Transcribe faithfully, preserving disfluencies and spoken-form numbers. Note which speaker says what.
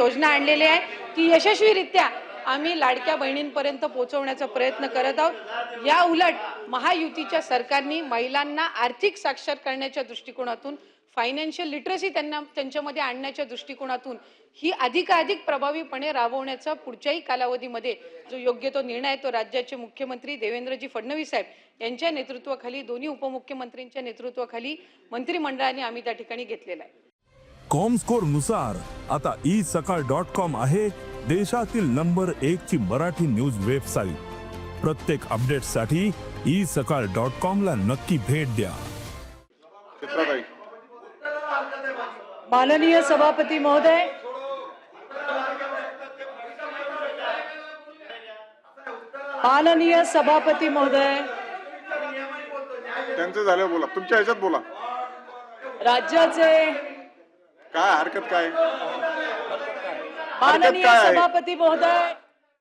Speaker 1: योजना आणलेली आहे ती यशस्वीरित्या आम्ही लाडक्या बहिणींपर्यंत पोहोचवण्याचा प्रयत्न करत आहोत। या उलट महायुतीच्या सरकारने महिलांना आर्थिक साक्षर करण्याच्या दृष्टिकोनातून फायनान्शियल लिटरसी त्यांना त्यांच्यामध्ये आणण्याच्या दृष्टिकोनातून ही अधिकाधिक प्रभावीपणे राबवण्याचा पुढच्याही कालावधीमध्ये जो योग्य तो निर्णय आहे तो राज्याचे मुख्यमंत्री देवेंद्रजी फडणवीस साहेब यांच्या नेतृत्वाखाली दोन्ही उपमुख्यमंत्र्यांच्या नेतृत्वाखाली मंत्रिमंडळाने आम्ही त्या ठिकाणी घेतलेला आहे।
Speaker 2: कॉमस्कोर नुसार आता ई सकाळ डॉट कॉम आहे देशातील नंबर एक ची मराठी न्यूज वेबसाईट। प्रत्येक अपडेटसाठी ई सकाळ डॉट कॉम ला नक्की भेट द्या।
Speaker 3: माननीय सभापती महोदय, माननीय सभापती महोदय,
Speaker 4: त्यांचं झालं बोला, तुमच्या ह्याच्यात बोला।
Speaker 3: राज्याचे
Speaker 4: काय हरकत काय?
Speaker 3: माननीय सभापती महोदय,